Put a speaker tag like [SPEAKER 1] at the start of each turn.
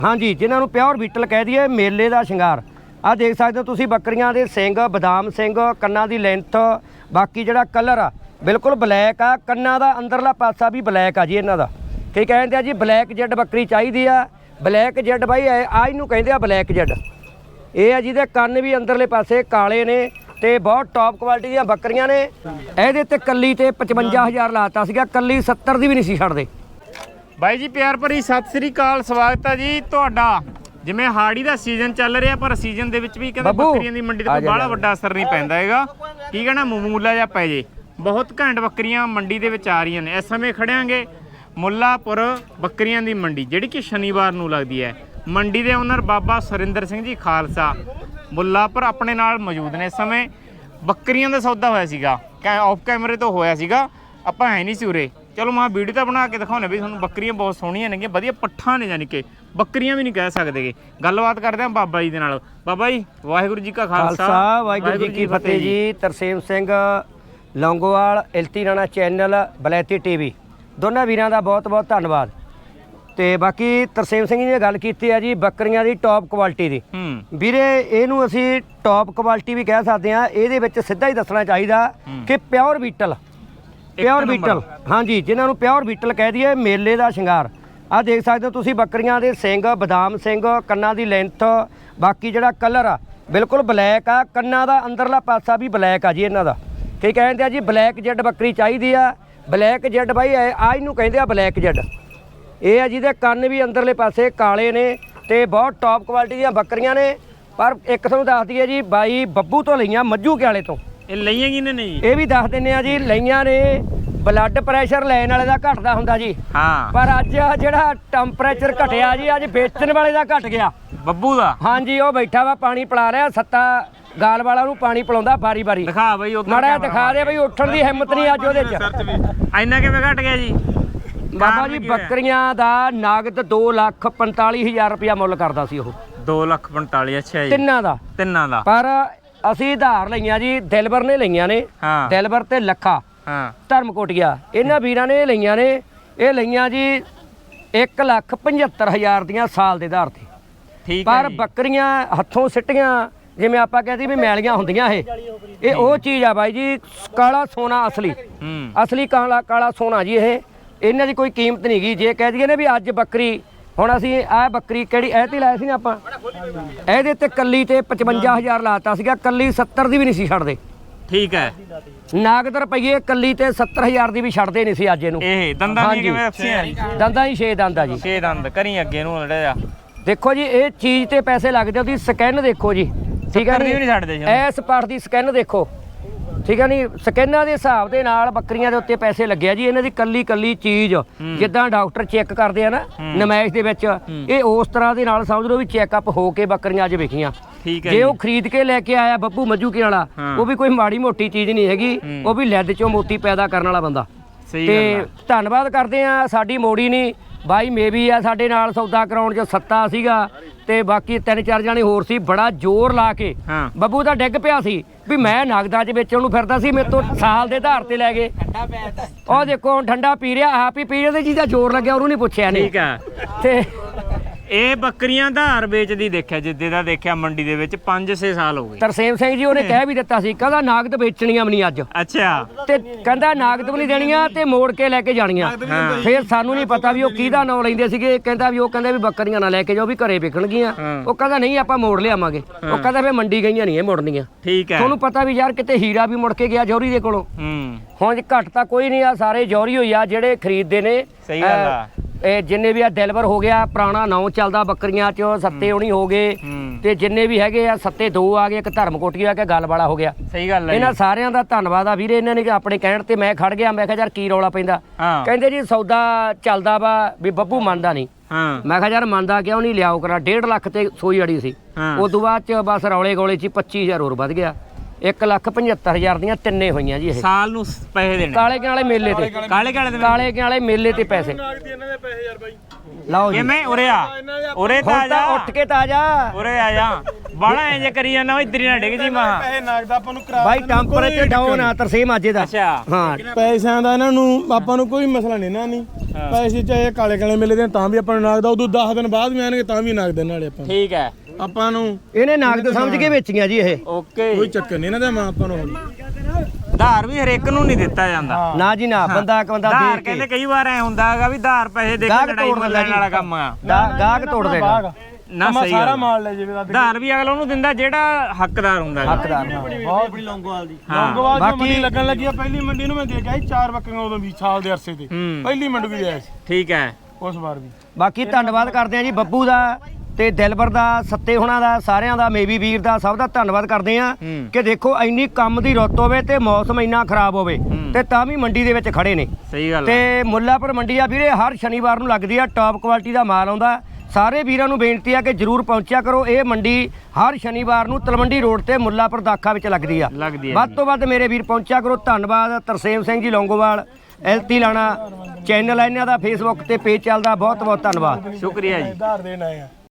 [SPEAKER 1] हाँ जी, जिन्होंने pure beetle कह दिए मेले का शिंगार। आ देख सकते हो तुसी बकरियां दे सिंग, बदाम सिंग, कन्ना की लेंथ, बाकी जिहड़ा कलर आ बिल्कुल ब्लैक आ। कन्ना का अंदरला पासा भी ब्लैक आ जी इन्हां दा। कई कहते हैं जी ब्लैक जेड बकरी चाहिए आ। ब्लैक जेड बाई आ इनू कहते आ ब्लैक जेड। ये है जिहदे कन्न भी अंदरले पासे काले ने ते बहुत टॉप क्वालिटी दी बकरियां ने। ਇਹਦੇ ਤੇ ਕੱਲੀ ਤੇ 55000 ਲਾਤਾ ਸੀਗਾ, ਕੱਲੀ 70 ਦੀ ਵੀ ਨਹੀਂ ਸੀ ਛੱਡਦੇ।
[SPEAKER 2] ਬਾਈ ਜੀ ਪਿਆਰ ਭਰੀ ਸਤਿ ਸ੍ਰੀ ਅਕਾਲ, ਸਵਾਗਤ ਹੈ ਜੀ ਤੁਹਾਡਾ। ਜਿਵੇਂ ਹਾੜੀ ਦਾ ਸੀਜ਼ਨ ਚੱਲ ਰਿਹਾ ਪਰ ਸੀਜ਼ਨ ਦੇ ਵਿੱਚ ਵੀ ਕਹਿੰਦੇ ਬੱਕਰੀਆਂ ਦੀ ਮੰਡੀ ਤੇ ਕੋਈ ਬਾਹਲਾ ਵੱਡਾ ਅਸਰ ਨਹੀਂ ਪੈਂਦਾ ਹੈਗਾ। ਕੀ ਕਹਿਣਾ ਮਾਮੂਲਾ ਜਿਹਾ ਪੈ ਜੇ। ਬਹੁਤ ਘੈਂਟ ਬੱਕਰੀਆਂ ਮੰਡੀ ਦੇ ਵਿੱਚ ਆ ਰਹੀਆਂ ਨੇ। ਇਸ ਸਮੇਂ ਖੜਿਆਂਗੇ ਮੁੱਲਾਪੁਰ ਬੱਕਰੀਆਂ ਦੀ ਮੰਡੀ, ਜਿਹੜੀ ਕਿ ਸ਼ਨੀਵਾਰ ਨੂੰ ਲੱਗਦੀ ਹੈ। ਮੰਡੀ ਦੇ ਓਨਰ ਬਾਬਾ ਸੁਰਿੰਦਰ ਸਿੰਘ ਜੀ ਖਾਲਸਾ ਮੁੱਲਾਪੁਰ ਆਪਣੇ ਨਾਲ ਮੌਜੂਦ ਨੇ। ਇਸ ਸਮੇਂ ਬੱਕਰੀਆਂ ਦਾ ਸੌਦਾ ਹੋਇਆ ਸੀਗਾ, ਆਫ ਕੈਮਰੇ ਤੋਂ ਹੋਇਆ ਸੀਗਾ, ਆਪਾਂ ਹੈ ਨਹੀਂ ਸੀ ਉਰੇ। ਚਲੋ ਮੈਂ ਵੀਡੀਓ ਤਾਂ ਬਣਾ ਕੇ ਦਿਖਾਉਣੇ ਵੀ ਤੁਹਾਨੂੰ। ਬੱਕਰੀਆਂ ਬਹੁਤ ਸੋਹਣੀਆਂ ਨੇਗੀਆਂ, ਵਧੀਆ ਪੱਠਾਂ ਨੇ, ਯਾਨੀ ਕਿ ਬੱਕਰੀਆਂ ਵੀ ਨਹੀਂ ਕਹਿ ਸਕਦੇਗੇ। ਗੱਲਬਾਤ ਕਰਦੇ ਹਾਂ ਬਾਬਾ ਜੀ ਦੇ ਨਾਲ। ਬਾਬਾ ਜੀ ਵਾਹਿਗੁਰੂ ਜੀ ਕਾ ਖਾਲਸਾ
[SPEAKER 1] ਵਾਹਿਗੁਰੂ ਜੀ ਕੀ ਫਤਿਹ ਜੀ। ਤਰਸੇਮ ਸਿੰਘ ਲੌਂਗੋਵਾਲ, ਇਲਤੀ ਰਾਣਾ ਚੈਨਲ, ਬਲੈਤੀ ਟੀਵੀ, ਦੋਨਾਂ ਵੀਰਾਂ ਦਾ ਬਹੁਤ ਬਹੁਤ ਧੰਨਵਾਦ। ਤੇ ਬਾਕੀ ਤਰਸੇਮ ਸਿੰਘ ਜੀ ਨੇ ਗੱਲ ਕੀਤੀ ਹੈ ਜੀ ਬੱਕਰੀਆਂ ਦੀ ਟੌਪ ਕੁਆਲਿਟੀ ਦੀ। ਵੀਰੇ ਇਹਨੂੰ ਅਸੀਂ ਟੌਪ ਕੁਆਲਿਟੀ ਵੀ ਕਹਿ ਸਕਦੇ ਹਾਂ। ਇਹਦੇ ਵਿੱਚ ਸਿੱਧਾ ਹੀ ਦੱਸਣਾ ਚਾਹੀਦਾ ਕਿ ਪਿਓਰ ਬੀਟਲ, ਪਿਓਰ ਬੀਟਲ। ਹਾਂਜੀ, ਜਿਨ੍ਹਾਂ ਨੂੰ ਪਿਓਰ ਬੀਟਲ ਕਹਿ ਦਈਏ ਮੇਲੇ ਦਾ ਸ਼ਿੰਗਾਰ। ਆ ਦੇਖ ਸਕਦੇ ਹੋ ਤੁਸੀਂ ਬਕਰੀਆਂ ਦੇ ਸਿੰਗ, ਬਦਾਮ ਸਿੰਘ, ਕੰਨਾਂ ਦੀ ਲੈਂਥ, ਬਾਕੀ ਜਿਹੜਾ ਕਲਰ ਆ ਬਿਲਕੁਲ ਬਲੈਕ ਆ। ਕੰਨਾਂ ਦਾ ਅੰਦਰਲਾ ਪਾਸਾ ਵੀ ਬਲੈਕ ਆ ਜੀ ਇਹਨਾਂ ਦਾ। ਕਈ ਕਹਿੰਦੇ ਆ ਜੀ ਬਲੈਕ ਜੈਡ ਬੱਕਰੀ ਚਾਹੀਦੀ ਆ। ਬਲੈਕ ਜੈਡ ਬਾਈ ਆ ਇਹਨੂੰ ਕਹਿੰਦੇ ਆ ਬਲੈਕ ਜੈਡ। ਇਹ ਆ ਜਿਹਦੇ ਕੰਨ ਵੀ ਅੰਦਰਲੇ ਪਾਸੇ ਕਾਲੇ ਨੇ ਤੇ ਬਹੁਤ ਟੌਪ ਕੁਆਲਿਟੀ ਦੀਆਂ ਬੱਕਰੀਆਂ ਨੇ। ਪਰ ਇੱਕ ਤੁਹਾਨੂੰ ਦੱਸ ਦਈਏ ਜੀ, ਬਾਈ ਬੱਬੂ ਤੋਂ ਲਈਆਂ, ਮੱਝੂ ਕਿਆਲੇ ਤੋਂ।
[SPEAKER 2] ਇਹ ਲਈਆਂ ਕਿਹਨੇ ਨੇ ਜੀ?
[SPEAKER 1] ਇਹ ਵੀ ਦੱਸ ਦਿੰਦੇ ਆ ਜੀ, ਲਈਆਂ ਨੇ। ਬਲੱਡ ਪ੍ਰੈਸ਼ਰ ਲੈਣ ਵਾਲੇ ਦਾ ਘਟਦਾ ਹੁੰਦਾ ਜੀ,
[SPEAKER 2] ਹਾਂ,
[SPEAKER 1] ਪਰ ਅੱਜ ਜਿਹੜਾ ਟੈਂਪਰੇਚਰ ਘਟਿਆ ਜੀ, ਅੱਜ ਵੇਚਣ ਵਾਲੇ ਦਾ ਘਟ ਗਿਆ।
[SPEAKER 2] ਬੱਬੂ ਦਾ?
[SPEAKER 1] ਹਾਂਜੀ, ਉਹ ਬੈਠਾ ਵਾ ਪਾਣੀ ਪਿਲਾ ਰਿਹਾ, ਸੱਤਾ ਗਾਲ ਵਾਲਾ ਨੂੰ ਪਾਣੀ ਪਿਲਾਉਂਦਾ ਬਾਰੀ ਬਾਰੀ।
[SPEAKER 2] ਦਿਖਾ ਬਈ
[SPEAKER 1] ਮਾੜਾ ਦਿਖਾ ਦੇ ਬਈ, ਉੱਠਣ ਦੀ ਹਿੰਮਤ ਨਹੀਂ ਅੱਜ ਉਹਦੇ ਚ।
[SPEAKER 2] ਇੰਨਾ ਕਿਵੇਂ ਘਟ ਗਿਆ ਜੀ?
[SPEAKER 1] ਬਾਬਾ ਜੀ ਬੱਕਰੀਆਂ ਦਾ ਨਗਦ 2,45,000 ਰੁਪਇਆ ਮੁੱਲ ਕਰਦਾ ਸੀ ਉਹ।
[SPEAKER 2] 2,45,000? ਅੱਛਾ ਜੀ,
[SPEAKER 1] ਤਿੰਨਾਂ ਦਾ।
[SPEAKER 2] ਤਿੰਨਾਂ ਦਾ। ਪਰ
[SPEAKER 1] ਅਸੀਂ ਉਧਾਰ ਲਈਆਂ ਜੀ, ਦਿਲਬਰ ਨੇ ਲਈਆਂ ਨੇ। ਦਿਲਬਰ ਤੇ ਲੱਖਾ ਧਰਮਕੋਟੀਆ, ਇਹਨਾਂ ਵੀਰਾਂ ਨੇ ਲਈਆਂ ਨੇ। ਇਹ ਲਈਆਂ ਜੀ 1,75,000 ਦੀਆਂ ਸਾਲ ਦੇ ਆਧਾਰ ਤੇ।
[SPEAKER 2] ਠੀਕ।
[SPEAKER 1] ਪਰ ਬੱਕਰੀਆਂ ਹੱਥੋਂ ਸਿੱਟੀਆਂ, ਜਿਵੇਂ ਆਪਾਂ ਕਹਿੰਦੇ ਵੀ ਮੈਲੀਆਂ ਹੁੰਦੀਆਂ, ਇਹ ਉਹ ਚੀਜ਼ ਆ ਬਾਈ ਜੀ। ਕਾਲਾ ਸੋਨਾ, ਅਸਲੀ ਅਸਲੀ ਕਾਲਾ ਸੋਨਾ ਜੀ। ਇਹ ਇਹਨਾਂ ਦੀ ਕੋਈ ਕੀਮਤ ਨਹੀਂ ਗਈ। ਜੇ ਕਹਿ ਦਈਏ ਨੇ ਵੀ ਅੱਜ ਬੱਕਰੀ, ਹੁਣ ਅਸੀਂ ਆਹ ਬੱਕਰੀ ਕਿਹੜੀ ਇਹ ਤੇ ਲਾਇਆ ਸੀ ਨਾ ਆਪਾਂ, ਇਹਦੇ ਤੇ ਕੱਲੀ ਤੇ 55,000 ਲਾਤਾ ਸੀਗਾ, ਕੱਲੀ 70 ਦੀ ਵੀ ਨਹੀਂ ਸੀ ਛੱਡਦੇ।
[SPEAKER 2] ਠੀਕ ਹੈ।
[SPEAKER 1] ਨਗਦ ਰੁਪਈਏ ਕੱਲੀ ਤੇ 70,000 ਦੀ ਵੀ ਛੱਡਦੇ ਨਹੀਂ ਸੀ ਅੱਜ ਇਹਨੂੰ।
[SPEAKER 2] ਇਹ ਦੰਦਾਂ ਦੀ ਕਿਵੇਂ ਰੱਖੀਆਂ ਜੀ?
[SPEAKER 1] ਦੰਦਾਂ ਹੀ 6 ਦੰਦ ਆ ਜੀ।
[SPEAKER 2] 6 ਦੰਦ। ਕਰੀ ਅੱਗੇ ਨੂੰ ਲੜਿਆ
[SPEAKER 1] ਦੇਖੋ ਜੀ, ਇਹ ਚੀਜ਼ ਤੇ ਪੈਸੇ ਲੱਗਦੇ। ਉਹਦੀ ਸਕੈਨ ਦੇਖੋ ਜੀ, ਠੀਕ ਹੈ
[SPEAKER 2] ਨਹੀਂ ਛੱਡਦੇ ਜੀ।
[SPEAKER 1] ਇਸ ਪਾਰਟ ਦੀ ਸਕੈਨ ਦੇਖੋ, ਠੀਕ ਹੈ ਨਹੀਂ। ਸਕੈਨਾਂ ਦੇ ਹਿਸਾਬ ਦੇ ਨਾਲ ਬੱਕਰੀਆਂ ਦੇ ਉੱਤੇ ਪੈਸੇ ਲੱਗਿਆ ਜੀ। ਇਹਨਾਂ ਦੀ ਕੱਲੀ ਕੱਲੀ ਚੀਜ਼ ਜਿੱਦਾਂ ਡਾਕਟਰ ਚੈੱਕ ਕਰਦੇ ਆ ਨਾ ਨਮਾਇਸ਼ ਦੇ ਵਿੱਚ, ਇਹ ਉਸ ਤਰ੍ਹਾਂ ਦੇ ਨਾਲ ਸਮਝ ਲਓ ਵੀ ਚੈੱਕਅਪ ਹੋ ਕੇ ਬੱਕਰੀਆਂ ਅੱਜ ਵਿਕੀਆਂ। ਜੇ ਉਹ ਖਰੀਦ ਕੇ ਲੈ ਕੇ ਆਇਆ ਬੱਬੂ ਮੱਜੂਕੇ ਵਾਲਾ, ਉਹ ਵੀ ਕੋਈ ਮਾੜੀ ਮੋਟੀ ਚੀਜ਼ ਨਹੀਂ ਹੈਗੀ, ਉਹ ਵੀ ਲਿੱਦ ਚੋਂ ਮੋਤੀ ਪੈਦਾ ਕਰਨ ਵਾਲਾ ਬੰਦਾ। ਤੇ ਧੰਨਵਾਦ ਕਰਦੇ ਆ, ਸਾਡੀ ਮੋੜੀ ਨਹੀਂ ਬਾਈ ਮੇਬੀ ਆ ਸਾਡੇ ਨਾਲ ਸੌਦਾ ਕਰਾਉਣ 'ਚ ਸੱਤਾ ਸੀਗਾ ਤੇ ਬਾਕੀ 3-4 ਜਾਣੇ ਹੋਰ ਸੀ। ਬੜਾ ਜ਼ੋਰ ਲਾ ਕੇ ਬੱਬੂ ਤਾਂ ਡਿੱਗ ਪਿਆ ਸੀ ਵੀ ਮੈਂ ਨਗਦਾਂ 'ਚ ਵੇਚਣ ਨੂੰ ਫਿਰਦਾ ਸੀ, ਮੇਰੇ ਤੋਂ ਸਾਲ ਦੇ ਆਧਾਰ ਤੇ ਲੈ ਗਏ। ਉਹ ਦੇਖੋ ਹੁਣ ਠੰਡਾ ਪੀ ਰਿਹਾ, ਆਪ ਹੀ ਪੀ ਰਿਹਾ ਤੇ ਜਿਹਦਾ ਜ਼ੋਰ ਲੱਗਿਆ ਉਹਨੂੰ ਨਹੀਂ ਪੁੱਛਿਆ ਨਹੀਂ।
[SPEAKER 2] ਠੀਕ ਹੈ।
[SPEAKER 1] ਤੇ ਇਹ
[SPEAKER 2] ਬੱਕਰੀਆਂ ਧਾਰ ਵੇਚਦੀ ਦੇਖਿਆ, ਜਿੱਦੇ ਦਾ ਦੇਖਿਆ ਮੰਡੀ ਦੇ ਵਿੱਚ 5-6 ਸਾਲ ਹੋ ਗਏ।
[SPEAKER 1] ਤਰਸੇਮ ਸਿੰਘ ਜੀ ਉਹਨੇ ਕਹਿ ਵੀ ਦਿੱਤਾ ਸੀ, ਕਹਿੰਦਾ ਨਗਦ ਵੇਚਣੀਆਂ ਵੀ ਨਹੀਂ ਅੱਜ।
[SPEAKER 2] ਅੱਛਾ। ਤੇ
[SPEAKER 1] ਕਹਿੰਦਾ ਨਗਦ ਵੀ ਨਹੀਂ ਦੇਣੀਆਂ ਤੇ ਮੋੜ ਕੇ ਲੈ ਕੇ ਜਾਣੀਆਂ। ਫਿਰ ਸਾਨੂੰ ਨਹੀਂ ਪਤਾ ਵੀ ਉਹ ਕਿਹਦਾ ਨਾਂ ਲੈਂਦੇ ਸੀਗੇ। ਕਹਿੰਦਾ ਵੀ ਉਹ ਕਹਿੰਦੇ ਵੀ ਬੱਕਰੀਆਂ ਨਾ ਲੈ ਕੇ ਜਾਓ, ਵੀ ਘਰੇ ਵਿਕਣਗੀਆਂ। ਉਹ ਕਹਿੰਦਾ ਨਹੀਂ ਆਪਾਂ ਮੋੜ ਲਿਆਵਾਂਗੇ। ਉਹ ਕਹਿੰਦਾ ਫਿਰ ਮੰਡੀ ਗਈਆਂ ਨਹੀਂ ਇਹ ਮੋੜਨੀਆਂ।
[SPEAKER 2] ਠੀਕ ਹੈ।
[SPEAKER 1] ਤੁਹਾਨੂੰ ਪਤਾ ਵੀ ਯਾਰ ਕਿਤੇ ਹੀਰਾ ਵੀ ਮੁੜ ਕੇ ਗਿਆ ਜੌਹਰੀ ਦੇ ਕੋਲੋਂ। ਹੁਣ ਘੱਟ ਤਾਂ ਕੋਈ ਨਹੀਂ ਆ, ਸਾਰੇ ਜੌਹਰੀ ਹੋਈ ਆ ਜਿਹੜੇ ਖਰੀਦਦੇ ਨੇ।
[SPEAKER 2] ਸਹੀ ਗੱਲ ਆ।
[SPEAKER 1] ਇਹ ਜਿੰਨੇ ਵੀ ਆ ਦਿਲਬਰ ਹੋ ਗਿਆ, ਪੁਰਾਣਾ ਨਾਂ ਚੱਲਦਾ ਬੱਕਰੀਆਂ 'ਚ, ਸੱਤੇ ਹੋਣੀ ਹੋ ਗਏ ਤੇ ਜਿੰਨੇ ਵੀ ਹੈਗੇ ਆ, ਸੱਤੇ 2 ਆ ਗਏ, ਇੱਕ ਧਰਮਕੋਟੀ ਆ ਕੇ ਗੱਲ ਵਾਲਾ ਹੋ ਗਿਆ।
[SPEAKER 2] ਸਹੀ ਗੱਲ ਹੈ।
[SPEAKER 1] ਇਹਨਾਂ ਸਾਰਿਆਂ ਦਾ ਧੰਨਵਾਦ ਆ ਵੀਰੇ। ਇਹਨਾਂ ਨੇ ਆਪਣੇ ਕਹਿਣ ਤੇ ਮੈਂ ਖੜ ਗਿਆ। ਮੈਂ ਕਿਹਾ ਯਾਰ ਕੀ ਰੌਲਾ ਪੈਂਦਾ? ਕਹਿੰਦੇ ਜੀ ਸੌਦਾ ਚੱਲਦਾ ਵਾ ਵੀ ਬੱਬੂ ਮੰਨਦਾ ਨਹੀਂ। ਮੈਂ ਕਿਹਾ ਯਾਰ ਮੰਨਦਾ ਕਿਉਂ ਨਹੀਂ, ਲਿਆਓ ਕਰਾ। 1.5 ਲੱਖ ਤੇ ਸੋਈ ਅੜੀ ਸੀ। ਉਦੋਂ ਬਾਅਦ ਚ ਬਸ ਰੌਲੇ ਗੋਲੇ 'ਚ 25,000 ਹੋਰ ਵੱਧ ਗਿਆ। 1,75,000 ਦੀਆਂ ਤਿੰਨੇ ਹੋਈਆਂ ਜੀ। ਇਹ
[SPEAKER 2] ਸਾਲ ਨੂੰ ਪੈਸੇ ਦੇਣੇ
[SPEAKER 1] ਕਾਲੇ ਵਾਲੇ ਮੇਲੇ ਤੇ, ਕਾਲੇ ਵਾਲੇ ਮੇਲੇ ਤੇ ਪੈਸੇ ਲਓ ਜੀ।
[SPEAKER 2] ਮੈਂ ਉਰੇ ਆ, ਉਰੇ ਤਾਂ ਆ ਜਾ,
[SPEAKER 1] ਉੱਠ ਕੇ ਤਾਂ ਆ ਜਾ,
[SPEAKER 2] ਉਰੇ ਆ ਜਾ। ਬਾਲਾ ਐਂ ਜੇ ਕਰੀ ਜਾਂਦਾ ਇਧਰ ਹੀ ਨਾ ਡਿੱਗ ਜੀ ਮਾਂ
[SPEAKER 3] ਪੈਸੇ ਨਾਗਦਾ ਆਪਾਂ ਨੂੰ ਕਰਾ
[SPEAKER 1] ਬਾਈ ਟੈਂਪਰੇਚਰ ਡਾਊਨ ਆ ਤਰਸੇਮ ਅੱਜ ਦਾ।
[SPEAKER 2] ਅੱਛਾ
[SPEAKER 1] ਹਾਂ
[SPEAKER 3] ਪੈਸਿਆਂ ਦਾ ਇਹਨਾਂ ਨੂੰ ਆਪਾਂ ਨੂੰ ਕੋਈ ਮਸਲਾ ਨਹੀਂ ਨਾ ਨਹੀਂ ਪੈਸੇ ਚਾਹੇ ਕਾਲੇ ਕਾਲੇ ਮਿਲਦੇ ਤਾਂ ਵੀ ਆਪਾਂ ਨੂੰ ਨਾਗਦਾ ਉਦੋਂ 10 ਦਿਨ ਬਾਅਦ ਵੀ ਆਣਗੇ ਤਾਂ ਵੀ ਨਾਗਦੇ ਨਾਲੇ ਆਪਾਂ
[SPEAKER 2] ਠੀਕ ਹੈ
[SPEAKER 3] ਆਪਾਂ ਨੂੰ
[SPEAKER 1] ਇਹਨੇ ਨਾਗਦ ਸਮਝ ਕੇ ਵੇਚੀਆਂ ਜੀ ਇਹ।
[SPEAKER 2] ਓਕੇ
[SPEAKER 3] ਕੋਈ ਚੱਕਰ ਨਹੀਂ ਇਹਨਾਂ ਦਾ ਮਾਂ ਆਪਾਂ ਨੂੰ
[SPEAKER 2] ਧਾਰ ਵੀ ਹਰੇਕ ਨੂੰ ਨਹੀਂ ਦਿੱਤਾ ਜਾਂਦਾ
[SPEAKER 1] ਨਾ ਜੀ ਨਾ, ਬੰਦਾ ਇੱਕ ਬੰਦਾ
[SPEAKER 2] ਧਾਰ
[SPEAKER 1] ਦੇਖ
[SPEAKER 2] ਕਹਿੰਦੇ
[SPEAKER 1] ਕੇ
[SPEAKER 2] ਕਈ ਵਾਰ ਐ ਹੁੰਦਾ ਹੈਗਾ ਵੀ ਧਾਰ ਪੈਸੇ ਦੇ ਕੇ
[SPEAKER 1] ਗਾਹਕ
[SPEAKER 2] ਲੜਾਈ
[SPEAKER 1] ਤੋੜ ਦਿੰਦਾ
[SPEAKER 2] ਮੱਲਣ
[SPEAKER 1] ਜੀ।
[SPEAKER 2] ਵਾਲਾ ਕੰਮ ਆ
[SPEAKER 1] ਗਾਹਕ ਤੋੜ ਦੇਗਾ।
[SPEAKER 2] ਨਾ ਸਹੀ
[SPEAKER 3] ਸਾਰਾ
[SPEAKER 2] ਗੱਲ
[SPEAKER 3] ਮਾਲ ਲੈ ਜਾਵੇ
[SPEAKER 2] ਧਾਰ ਵੀ ਅਗਲਾ ਉਹਨੂੰ ਦਿੰਦਾ ਜਿਹੜਾ ਹੱਕਦਾਰ ਹੁੰਦਾ ਹੈਗਾ।
[SPEAKER 1] ਹੱਕਦਾਰ
[SPEAKER 3] ਬਹੁਤ ਬੜੀ ਲੌਂਗੋਵਾਲ ਦੀ
[SPEAKER 2] ਹਾਂ।
[SPEAKER 3] ਲੌਂਗੋਵਾਲ ਦੀ
[SPEAKER 1] ਬਾਕੀ-
[SPEAKER 3] ਮੰਡੀ ਲੱਗਣ ਲੱਗੀ ਆ ਪਹਿਲੀ ਮੰਡੀ ਨੂੰ ਮੈਂ ਦੇ ਕੇ ਆਈ 4 ਬੱਕਰੀਆਂ ਉਦੋਂ ਵੀ ਸਾਲ ਦੇ ਅਰਸੇ ਤੇ
[SPEAKER 2] ਹੂੰ।
[SPEAKER 3] ਪਹਿਲੀ ਮੰਡੀ ਵੀ ਲਿਆ ਸੀ
[SPEAKER 2] ਠੀਕ ਹੈ
[SPEAKER 3] ਉਸ ਵਾਰ ਵੀ
[SPEAKER 1] ਬਾਕੀ ਧੰਨਵਾਦ ਕਰਦੇ ਆ ਜੀ ਬੱਬੂ ਦਾ ਤੇ ਦਿਲਬਰ ਦਾ, ਸੱਤੇ ਹੁਣਾਂ ਦਾ, ਸਾਰਿਆਂ ਦਾ, ਮੇਵੀ ਵੀਰ ਦਾ, ਸਭ ਦਾ ਧੰਨਵਾਦ ਕਰਦੇ ਆ
[SPEAKER 2] ਹੂੰ।
[SPEAKER 1] ਕਿ ਦੇਖੋ ਇੰਨੀ ਕੰਮ ਦੀ ਰੁੱਤ ਹੋਵੇ ਤੇ ਮੌਸਮ ਇੰਨਾ ਖਰਾਬ ਹੋਵੇ ਤੇ ਤਾਂ ਵੀ ਮੰਡੀ ਦੇ ਵਿੱਚ ਖੜੇ ਨੇ।
[SPEAKER 2] ਸਹੀ ਗੱਲ ਆ।
[SPEAKER 1] ਤੇ ਮੁੱਲਾਪੁਰ ਮੰਡੀ ਆ ਵੀਰੇ, ਹਰ ਸ਼ਨੀਵਾਰ ਨੂੰ ਲੱਗਦੀ ਆ, ਟੌਪ ਕੁਆਲਿਟੀ ਦਾ ਮਾਲ ਆਉਂਦਾ। ਸਾਰੇ ਵੀਰਾਂ ਨੂੰ ਬੇਨਤੀ ਆ ਕਿ ਜਰੂਰ ਪਹੁੰਚਿਆ ਕਰੋ। ਇਹ ਮੰਡੀ ਹਰ ਸ਼ਨੀਵਾਰ ਨੂੰ ਤਲਵੰਡੀ ਰੋਡ ਤੇ ਮੁੱਲਾਪੁਰ ਦਾਖਾ ਵਿੱਚ ਲੱਗਦੀ ਆ। ਵੱਧ ਤੋਂ ਵੱਧ ਮੇਰੇ ਵੀਰ ਪਹੁੰਚਿਆ ਕਰੋ। ਧੰਨਵਾਦ ਤਰਸੇਮ ਸਿੰਘ ਜੀ ਲੌਂਗੋਵਾਲ, ਐਲਤੀ ਲਾਣਾ ਚੈਨਲ ਆ ਇਹਨਾਂ ਦਾ, ਫੇਸਬੁੱਕ ਤੇ ਪੇਜ ਚੱਲਦਾ। ਬਹੁਤ ਬਹੁਤ ਧੰਨਵਾਦ।
[SPEAKER 2] ਸ਼ੁਕਰੀਆ ਜੀ।
[SPEAKER 3] ਧਾਰ ਦੇਣ ਆਏ ਆ